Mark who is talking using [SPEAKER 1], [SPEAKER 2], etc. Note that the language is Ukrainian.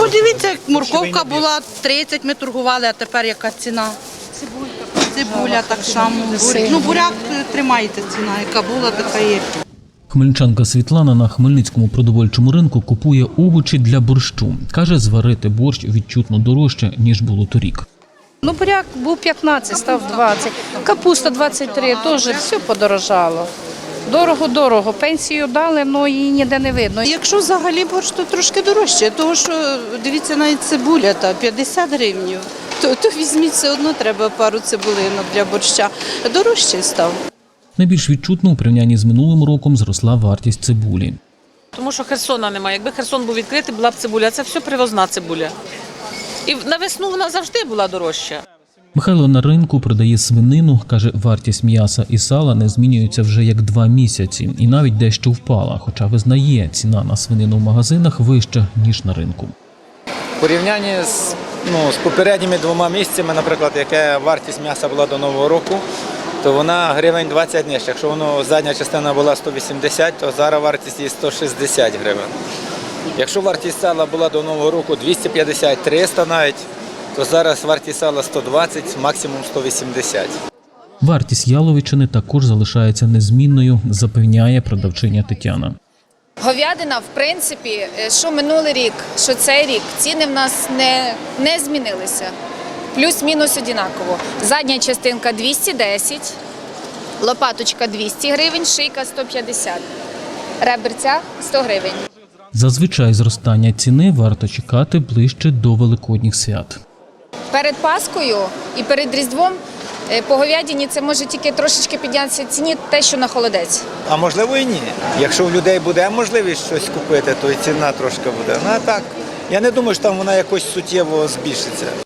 [SPEAKER 1] дивіться, як морковка була 30, ми торгували, а тепер яка ціна? Цибуля так само. Ну, буряк тримається ціна, яка була, така є.
[SPEAKER 2] Хмельничанка Світлана на Хмельницькому продовольчому ринку купує овочі для борщу. Каже, зварити борщ відчутно дорожче, ніж було торік.
[SPEAKER 3] Ну, буряк був 15, став 20, капуста 23, теж все подорожало. Дорого, пенсію дали, але її ніде не видно.
[SPEAKER 1] Якщо взагалі борщ, то трошки дорожче, тому що, дивіться, навіть цибуля, 50 гривень, то візьміть, все одно треба пару цибулинок для борща. Дорожче став.
[SPEAKER 2] Найбільш відчутно у порівнянні з минулим роком зросла вартість цибулі.
[SPEAKER 4] Тому що Херсона немає. Якби Херсон був відкритий, була б цибуля. Це все привозна цибуля. І на весну вона завжди була дорожча.
[SPEAKER 2] Михайло на ринку продає свинину. Каже, вартість м'яса і сала не змінюється вже як 2 місяці. І навіть дещо впала. Хоча визнає, ціна на свинину в магазинах вища, ніж на ринку.
[SPEAKER 5] В порівнянні з попередніми 2 місяцями, наприклад, яка вартість м'яса була до Нового року, то вона гривень 20 нижче. Якщо задня частина була 180, то зараз вартість її 160 гривень. Якщо вартість сала була до Нового року 250-300 навіть, то зараз вартість сала 120, максимум 180.
[SPEAKER 2] Вартість яловичини також залишається незмінною, запевняє продавчиня Тетяна.
[SPEAKER 6] Говядина, в принципі, що минулий рік, що цей рік, ціни в нас не змінилися. Плюс-мінус однаково. Задня частинка 210, лопаточка 200 гривень, шийка 150, реберця 100 гривень.
[SPEAKER 2] Зазвичай зростання ціни варто чекати ближче до Великодніх свят.
[SPEAKER 6] Перед Паскою і перед Різдвом по говядині це може тільки трошечки піднятися в ціні те, що на холодець.
[SPEAKER 5] А можливо і ні. Якщо у людей буде можливість щось купити, то і ціна трошки буде. Ну а так, я не думаю, що там вона якось суттєво збільшиться.